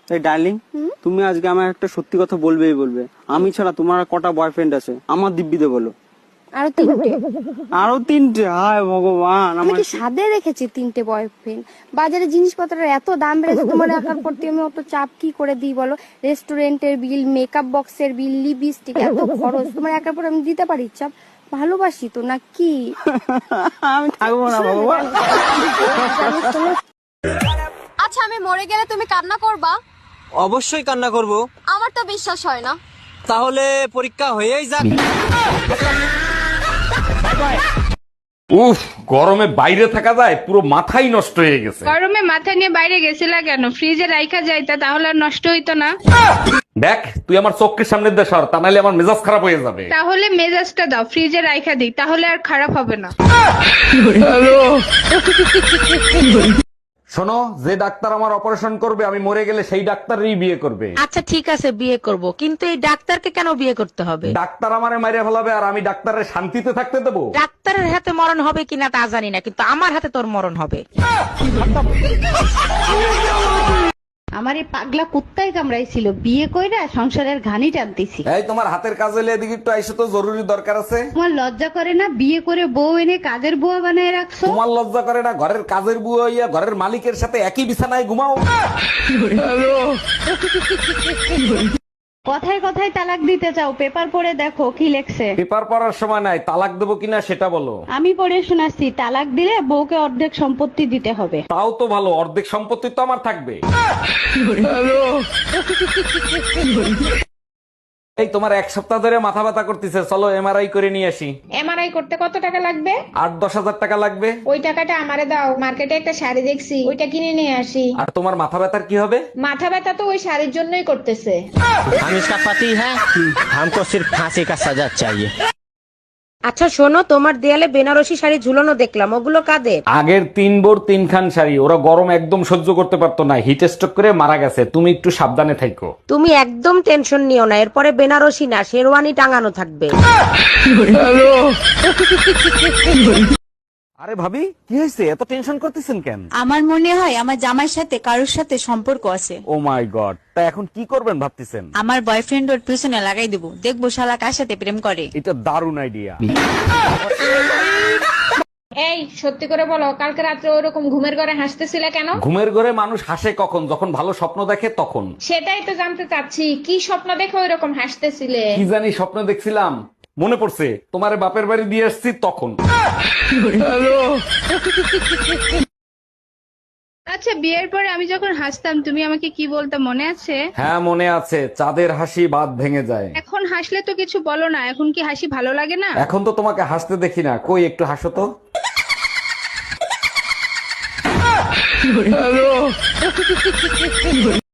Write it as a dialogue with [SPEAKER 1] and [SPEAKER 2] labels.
[SPEAKER 1] তাই ডার্লিং, তুমি আজকে আমার একটা সত্যি কথা বলবেই বলবে। আমি ছাড়া তোমার আর কটা বয়ফ্রেন্ড আছে? আমার দিব্যিতে বলো।
[SPEAKER 2] আরো 3টে।
[SPEAKER 1] আরো 3টে? হায় ভগবান,
[SPEAKER 2] আমি কি সাদে রেখেছি 3টে বয়ফ্রেন্ড? বাজারে জিনিসপত্রের এত দাম বেড়েছে, তোমার একার প্রতি আমি অত চাপ কি করে দিই বলো? রেস্টুরেন্টের বিল, মেকআপ বক্সের বিল, লিপস্টিক, এত খরচ তোমার একার পর আমি দিতে পারি? চাপ, ভালোবাসি তো নাকি?
[SPEAKER 1] আমি থাকবো না ভগবান।
[SPEAKER 3] আচ্ছা, আমি মরে গেলে তুমি কান্না করবা?
[SPEAKER 4] অবশ্যই কান্না করব।
[SPEAKER 3] আমার তো বিশ্বাস হয় না।
[SPEAKER 4] তাহলে পরীক্ষা হয়েই যাক।
[SPEAKER 5] উফ, গরমে বাইরে থাকা যায়, পুরো মাথাই নষ্ট হয়ে গেছে।
[SPEAKER 6] গরমে মাথা নিয়ে বাইরে গেছিলা কেন? ফ্রিজে রাইখা যাইতা, তাহলে আর নষ্ট হইতো না।
[SPEAKER 5] দেখ, তুই আমার চোখের সামনে দিয়ে সর, তা নাহলে আমার মেজাজ খারাপ হয়ে যাবে।
[SPEAKER 6] তাহলে মেজাজটা দাও, ফ্রিজে রাইখা দিই, তাহলে আর খারাপ হবে না।
[SPEAKER 5] শোনো, যে ডাক্তার আমার অপারেশন করবে আমি মরে গেলে সেই ডাক্তারই বিয়ে করবে।
[SPEAKER 7] আচ্ছা ঠিক আছে, বিয়ে করব, কিন্তু এই ডাক্তারকে কেন বিয়ে করতে হবে?
[SPEAKER 5] ডাক্তার আমারে মাইরে ফেলাবে আর আমি ডাক্তারের শান্তিতে থাকতে দেবো?
[SPEAKER 7] ডাক্তারের হাতে মরণ হবে কিনা তা জানি না, কিন্তু আমার হাতে তোর মরণ হবে।
[SPEAKER 8] আমার এই পাগলা কুত্তায় কামড়াইছিল, বিয়ে কইরা সংসারের ঘানি টানতেছি।
[SPEAKER 5] এই, তোমার হাতের কাজ হলে এদিকে একটু আইসো তো, জরুরি দরকার আছে।
[SPEAKER 8] তোমার লজ্জা করে না? বিয়ে করে বউ এনে কাজের বুয়া বানায় রাখছো।
[SPEAKER 5] তোমার লজ্জা করে না? ঘরের কাজের বুয়া হইয়া ঘরের মালিকের সাথে একই বিছানায় ঘুমাও।
[SPEAKER 8] কথায় কথায় তালাক দিতে চাও, পেপার পড়ে দেখো কি লেখছে।
[SPEAKER 5] পেপার পড়ার সময় নাই, তালাক দেবো কিনা সেটা বলো।
[SPEAKER 8] আমি পড়ে শোনাচ্ছি, তালাক দিলে বউকে অর্ধেক সম্পত্তি দিতে হবে।
[SPEAKER 5] তাও তো ভালো, অর্ধেক সম্পত্তি তো আমার থাকবে। এই, তোমার 1 সপ্তাহ ধরে মাথা ব্যথা করতেছে, চলো এমআরআই করে নিয়ে আসি।
[SPEAKER 6] এমআরআই করতে কত টাকা লাগবে?
[SPEAKER 5] 8-10 হাজার টাকা লাগবে।
[SPEAKER 6] ওই টাকাটা আমারে দাও, মার্কেটে একটা শাড়ি দেখছি, ওইটা কিনে নিয়ে আসি।
[SPEAKER 5] আর তোমার মাথা ব্যথার কি হবে?
[SPEAKER 6] মাথা ব্যথা তো ওই শাড়ির জন্যই করতেছে।
[SPEAKER 4] हम इसका पति है, हमको सिर्फ फांसी का सजा चाहिए।
[SPEAKER 7] আচ্ছা শোনো, তোমার দেয়ালে বেনারসি শাড়ি ঝুলানো দেখলাম, ওগুলো কাদের?
[SPEAKER 5] আগের 3 বোর 3 খান শাড়ি, ওরা গরম একদম সহ্য করতে পারতো না, হিট স্ট্রোক করে মারা গেছে। তুমি একটু সাবধানে থাকো।
[SPEAKER 7] তুমি একদম টেনশন নিও না, এরপরে বেনারসি না শেরওয়ানি টাঙানো থাকবে।
[SPEAKER 5] আরে ভাবি, কি হয়েছে? এত টেনশন করতেছেন কেন?
[SPEAKER 9] আমার মনে হয় আমার জামাইয়ের সাথে কারোর সাথে সম্পর্ক আছে।
[SPEAKER 5] ও মাই গড, তা এখন কি করবেন ভাবতেছেন?
[SPEAKER 9] আমার বয়ফ্রেন্ড ওর পিছনে লাগাই দেবো, দেখবো শালা কার সাথে প্রেম করে।
[SPEAKER 5] এটা দারুণ আইডিয়া।
[SPEAKER 6] এই সত্যি করে বলো, কালকে রাত্রে ওরকম ঘুমের ঘরে হাসতেছিলে কেন?
[SPEAKER 5] ঘুমের ঘরে মানুষ হাসে কখন? যখন ভালো স্বপ্ন দেখে তখন।
[SPEAKER 6] সেটাই তো জানতে চাচ্ছি, কি স্বপ্ন দেখে ওইরকম হাসতেছিলে?
[SPEAKER 5] কি জানি স্বপ্ন দেখছিলাম, মনে পড়ছে, তোমারে বাপের বাড়ি দিয়ে আসছি তখন।
[SPEAKER 6] আচ্ছা, বিয়ের পরে আমি যখন হাসতাম তুমি আমাকে কি বলতে মনে আছে?
[SPEAKER 5] হ্যাঁ মনে আছে, চাঁদের হাসি বাদ ভেঙে যায়।
[SPEAKER 6] এখন হাসলে তো কিছু বলো না, এখন কি হাসি ভালো লাগে না?
[SPEAKER 5] এখন তো তোমাকে হাসতে দেখি না, কই একটু হাসো তো।